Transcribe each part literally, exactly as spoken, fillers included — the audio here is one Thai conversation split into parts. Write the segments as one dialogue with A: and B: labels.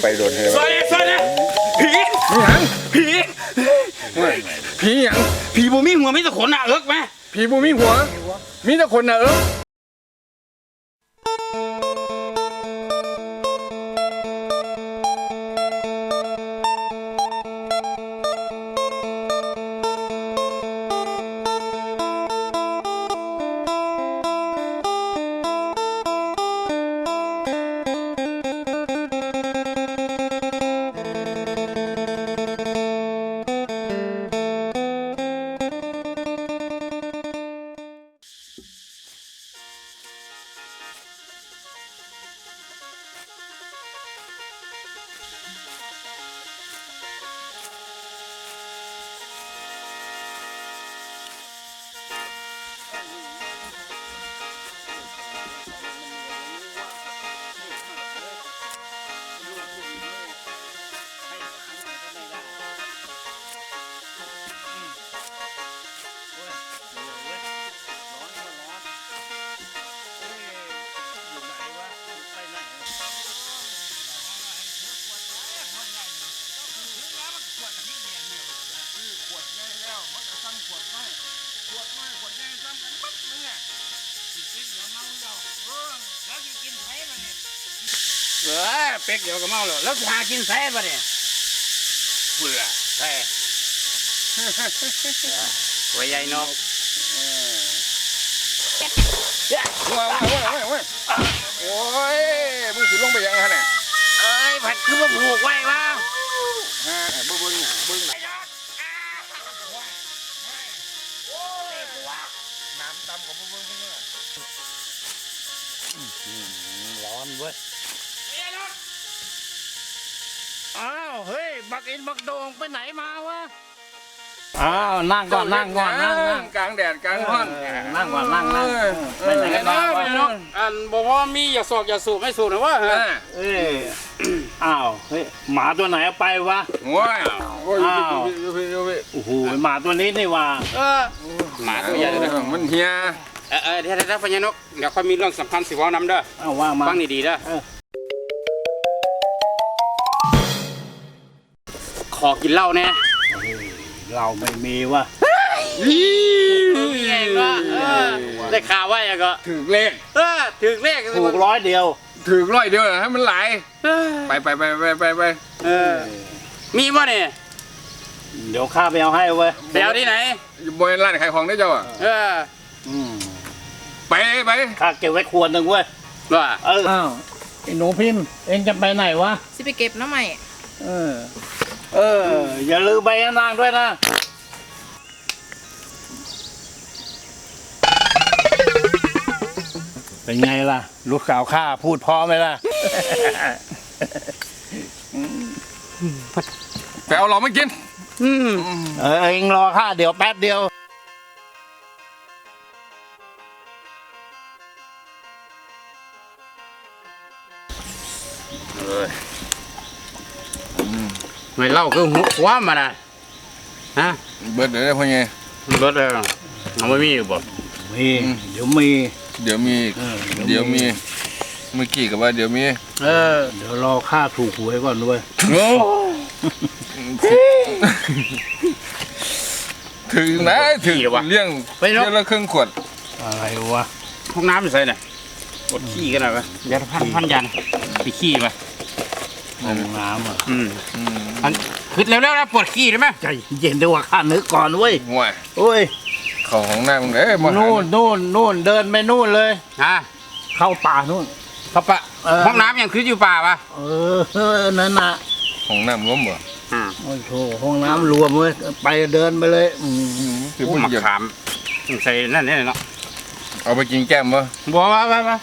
A: ไปโดนเธอ
B: สวัสดีสวัสดีผีผีผีผีหยังผีบูมีหัวมีแต่ขนหนาเอิกไหมผีบูมีหัวมีแต่ขนหนาเอิกเออเป็กเดี๋ยวก็เมาแล้วแล้วหากินแซ่บเนี่ยเบื่อแซ่หัวใหญ่นกว้าวว้าวว้าวว้าวโอ้ยมึงสิลงไปยังไงเนี่ยเอ้ยผัดคือมาผูกไว้บ้างฮะบึ้งบึ้งบึ้งน้ำดำของบึ้งบึ้งบึ้งร้อนเว้ยอ้าวเฮ้ยบักอินบักโดงไปไหนมาวะอ้าวนั่งก่อนนั่งก่อนนั่งนั่งกลางแดดกลางร้อนนั่งก่อนนั่งนั่งไปไหนกันบ้างอันบอกว่ามีอย่าสอกอย่าสูบไม่สูบนะวะเอ้ยอ้าวเฮ้ยหมาตัวไหนเอาไปวะว้าวอ้าวโอ้โหหมาตัวนี้นี่วะเออหมาตัวใหญ่เลยมันเฮียเออเออเดี๋ยวเดี๋ยวพญานกเดี๋ยวค่อยมีเรื่องสำคัญสิว่านำเด้อเอาว่ามาฟังดีๆเด้อขอกินเหล้าแน่เราไม่มีวะไงวะได้ข่าวว่าอย่างก็ถือเลขเออถือเลขถูกร้อยเดียวถือร้อยเดียวให้มันไหลไปไปไปไปไปไปเออมีป่ะเนี่ยเดี๋ยวข้าไปเอาให้เว้ยไปเอาที่ไหนบริเวณร้านขายของได้เจ้าอ่ะเออไปไปข้าเก็บไว้ขวดหนึ่งเว้ยว่าเอออ้าวไอ้หนูพิมพ์เองจะไปไหนวะ
C: สิไปเก็บน้ำใหม่
B: เออเอออย่าลืมใบนางด้วยนะเป็นไงล่ะลูกสาวข้าพูดพอไหมล่ะไปเอาหลอมมากินเออเองรอข้าเดี๋ยวแป๊บเดียวไม่เล่าคือหัวคว้ามานะฮะเบิร์ดเลยพ่อไงเบิร์ดเลยเอาไม่มีอยู่บ่มีเดี๋ยวมีเดี๋ยวมีเดี๋ยวมีเมื่อกี้กับว่าเดี๋ยวมีเออเดี๋ยวรอค่าถูกหวยก่อนด้วยถึงนะถึงเลี้ยงเลี้ยงละครึ่งขวดอะไรวะห้องน้ำอยู่ไหนเนี่ยกดขี้กันหน่อยวะยาพันพันยันไปขี้ไปห้องน้ำอ่ะอืมอันคือเร็วๆนะปวดขี้ได้ไหมใจเย็นดีกว่าข้านึกก่อนเว้ยห่วยโอ้ยเข้าห้องน้ำเลยนู่นนู่นนู่นเดินไปนู่นเลยฮะเข้าป่านู่นเข้าป่าห้องน้ำยังคืออยู่ป่าปะเออนั่นน่ะห้องน้ำรวมเหรอโอ้โหห้องน้ำรวมเว้ยไปเดินไปเลยอืมคือผู้หญิงขามใส่นั่นนี่เนาะเอาไปกินแก้มมั้ยบัวมามา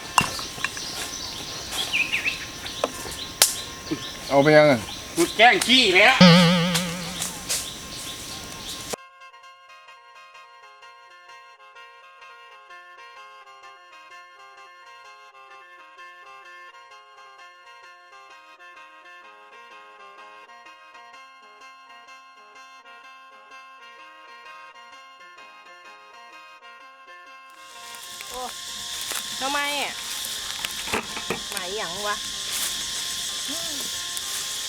B: เอาไปยังแกล้งขี้เลยละ
C: โอ้ทำไมอ่ะหมายอย่างวะ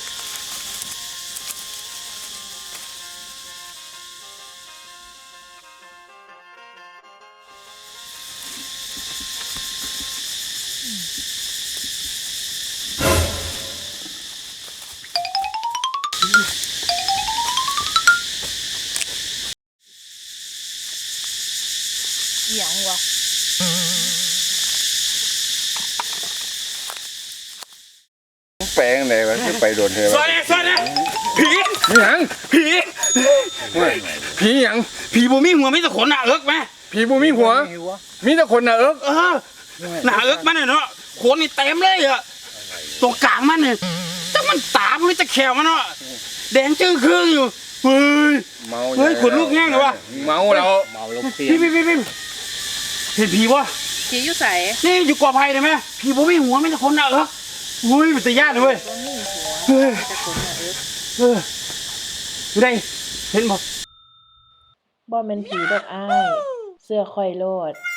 C: บอก
B: แปลงไหนวะที่ไปโดนเธอ
A: สวัสดีสวัสดีผี
B: มีหยัง
A: ผี
B: ผีหยัง
A: ผีบ่มีหัวมีแต่ขนหน้าเอิกไหม
B: ผีบูมีหัว มีแต่คนน่ะเอิก
A: เออหน้าเอิกมันเนี่ยเนาะขนนี่เต็มเลยอะตรงกลางมันเนี่ยแต่มันตามันจะแขวมันเนาะแดงจื้อครึ่งอยู่เฮ้ย
B: เมา
A: เฮ้ยขนลุกแง่งเลยวะ
B: เมาแล้ว
A: พี่พี่พี่พี่เห็นผีวะ
C: ผีอยู่ใส่
A: นี่อยู่กอไผ่ได้ไหมผีบ่มีหัวมีแต่ขนหน้าเอิกเฮ้ยมันจะยากเลยเว้ย
C: บ่มีหัว
A: เฮ้ย
C: จะขนน่ะเอิ๊ก
A: เอออยู่ไหนเห็นบ่
D: บ่แม่นผีดอกอ้ายเสื้อคอยโลด